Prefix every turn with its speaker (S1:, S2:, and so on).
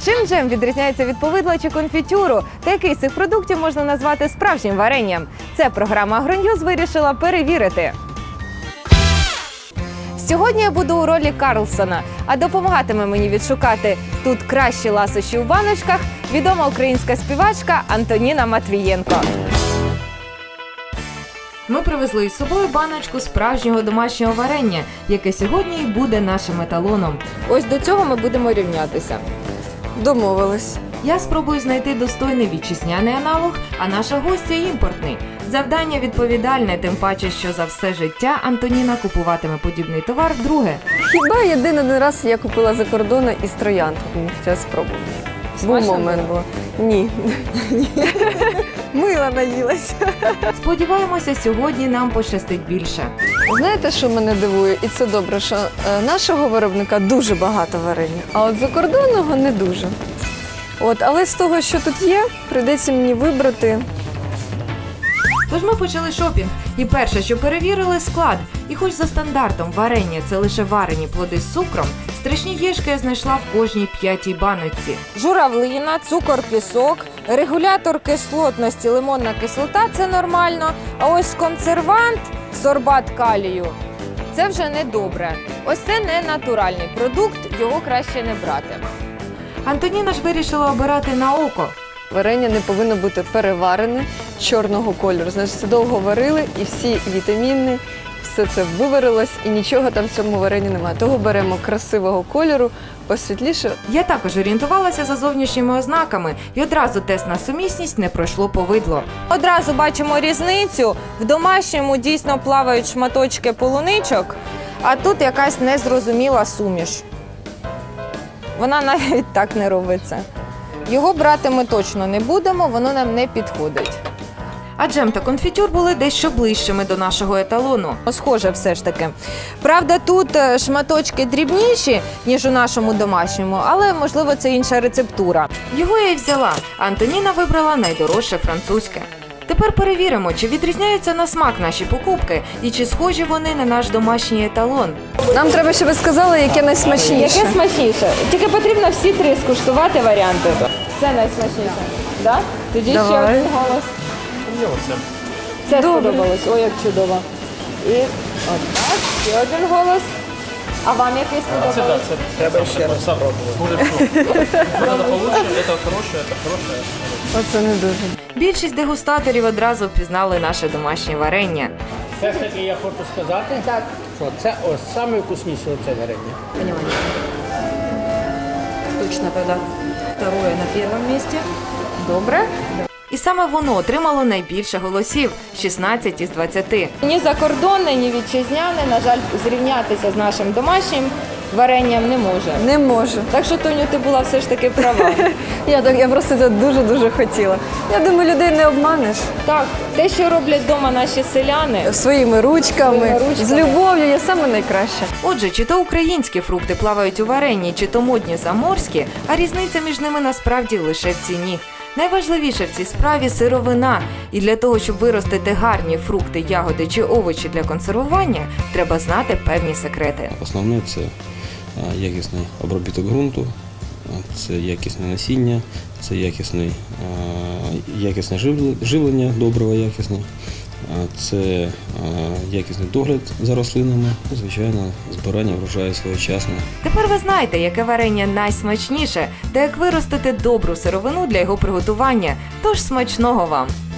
S1: Чим джем відрізняється від повидла чи конфітюру? Та який з цих продуктів можна назвати справжнім варенням? Це програма «Агроньюз» вирішила перевірити. Сьогодні я буду у ролі Карлсона, а допомагатиме мені відшукати тут кращі ласощі у баночках відома українська співачка Антоніна Матвієнко. Ми привезли із собою баночку справжнього домашнього варення, яке сьогодні і буде нашим еталоном. Ось до цього ми будемо рівнятися.
S2: Домовились.
S1: Я спробую знайти достойний вітчизняний аналог, а наша гостя – імпортний. Завдання відповідальне, тим паче, що за все життя Антоніна купуватиме подібний товар вдруге.
S2: Хіба один раз я купила за кордону із троянд. Мені хотіла спробувати. Був момент був. Ні. Мила наїлася.
S1: Сподіваємося, сьогодні нам пощастить більше.
S2: Знаєте, що мене дивує? І це добре, що нашого виробника дуже багато варення, а от закордонного не дуже. Але з того, що тут є, прийдеться мені вибрати.
S1: Тож ми почали шопінг. І перше, що перевірили – склад. І хоч за стандартом варення – це лише варені плоди з цукром, страшні єшки я знайшла в кожній 5-й баночці. Журавлина, цукор, пісок, регулятор кислотності, лимонна кислота – це нормально. А ось консервант, сорбат калію – це вже недобре. Ось це не натуральний продукт, його краще не брати. Антоніна ж вирішила обирати на око.
S2: Варення не повинно бути переварене, чорного кольору. Значить, це довго варили і всі вітаміни, все це виварилось і нічого там в цьому варенні немає. Того беремо красивого кольору, посвітліше.
S1: Я також орієнтувалася за зовнішніми ознаками і одразу тест на сумісність не пройшло повидло. Одразу бачимо різницю. В домашньому дійсно плавають шматочки полуничок, а тут якась незрозуміла суміш. Вона навіть так не робиться. Його брати ми точно не будемо, воно нам не підходить. А джем та конфітюр були дещо ближчими до нашого еталону. Схоже все ж таки. Правда, тут шматочки дрібніші, ніж у нашому домашньому, але, можливо, це інша рецептура. Його я й взяла, а Антоніна вибрала найдорожче французьке. Тепер перевіримо, чи відрізняються на смак наші покупки і чи схожі вони на наш домашній еталон.
S2: Нам треба, щоб ви сказали, яке найсмачніше.
S1: Яке смачніше? Тільки потрібно всі три скуштувати варіанти. Це найсмачніше. Да? Тоді ще один голос. Це сподобалось. Ой, як чудово. І отак, ще один голос. А вам який сподобалось?
S3: Треба ще раз спробувати. Це хороше.
S2: Оце не дуже.
S1: Більшість дегустаторів одразу впізнали наше домашнє варення.
S3: Все ж таки я хочу сказати, що це ось найвкусніше оце варення.
S1: Понимаю. Точно тогда второе на первом месте. Добре. І саме воно отримало найбільше голосів – 16 із 20. Ні закордонне, ні вітчизняне, на жаль, зрівнятися з нашим домашнім варенням не може.
S2: Не можу.
S1: Так що, Тоню, ти була все ж таки права.
S2: Я просто це дуже-дуже хотіла. Я думаю, людей не обманеш.
S1: Так, те, що роблять вдома наші селяни.
S2: Своїми ручками, з любов'ю, є саме найкраще.
S1: Отже, чи то українські фрукти плавають у варенні, чи то модні заморські, а різниця між ними насправді лише в ціні. Найважливіше в цій справі – сировина. І для того, щоб виростити гарні фрукти, ягоди чи овочі для консервування, треба знати певні секрети.
S4: Основне – це якісний обробіток ґрунту, це якісне насіння, це якісне живлення, добриво якісне, це якісний догляд за рослинами, звичайно, збирання врожаю своєчасне.
S1: Тепер ви знаєте, яке варення найсмачніше та як виростити добру сировину для його приготування. Тож смачного вам!